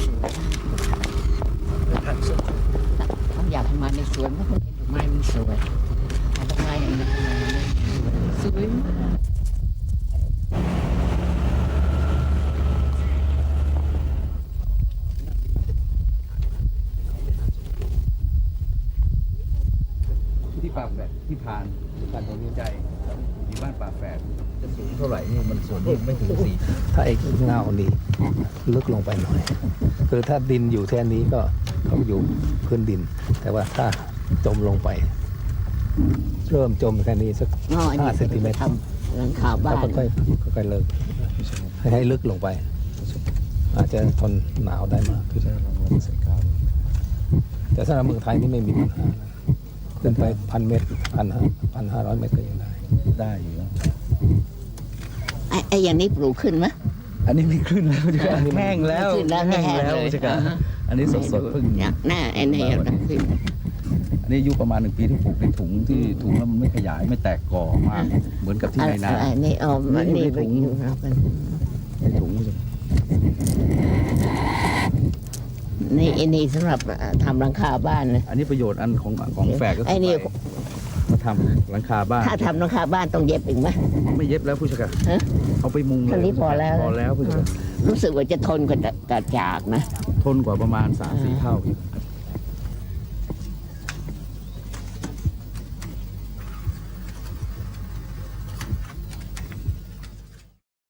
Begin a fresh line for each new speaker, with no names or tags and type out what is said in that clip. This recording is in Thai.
ต้องอยากให้มาในสวนเพราะคนเห็นดอกไม้มันสวยดอกไม้อย่างนี้สวยมาก
ที่ป่าแฝดที่ผ่านการตัดสินใจมีบ้านป่าแฝดจะสูงเท่าไหร่นี่มันส่วนนี้ไม่ถึง4
ถ้าไอ้เงานี่ลึกลงไปหน่อย คือถ้าดินอยู่แค่นี้ก็เขาอยู่พื้นดิน แต่ว่าถ้าจมลงไป เริ่มจมแค่นี้สัก
อ๋ออันนี้
5 เซนติเมตร
ทำหลังคาบ้า
แล้ว
น
ค่อยๆเลิกให้ลึกลงไป อาจจะทนหนาวได้มากขึ้น
ใส่กาว
แต่สำหรับเมืองไทยนี่ไม่มีปัญหานะขึ้นไป1,000 เมตร1,500 เมตรก็ยังได้
ได้อยู่นะ
ไอ้อย่างนี้ปลูกขึ้นไหม
อันนี้ไม่ขึ้นแล้วจ้ะ
อันนี้มัน
แห้งแล้ว
ขึ้นแล้ว
แห้ง
แห้ง
แล้ว
เลย
จ้ะ
อ่าฮะ
อันนี้สดๆเพิ่ง
อยากหน้าไอ้นี่อยากขึ้น
อันนี้อายุประมาณ1 ปีที่ปลูกในถุงที่ถุงแล้วมันไม่ขยายไม่แตกกอมากเหมือนกับที่ในนา
อะไรนี่อ๋อมันนี่ไปอยู่ครับ
ในถุงจ้ะ
นี่ไอ้นี่สำหรับทำหลังคาบ้านนะ
อันนี้ประโยชน์อันของแฝดก็
ไอ้นี่
ไปมาทำหลังคาบ้าน
ถ้าทำหลังคาบ้านต้องเย็บอีกไหม
ไม่เย็บแล้วผู้จัดการ
ฮะ
เอาไปมุงเลย
แค่นี้พอแล้ว
พอแล้วผู้จัดการ
รู้สึกว่าจะทนกว่าจากนะ
ทนกว่าประมาณ3-4 เท่า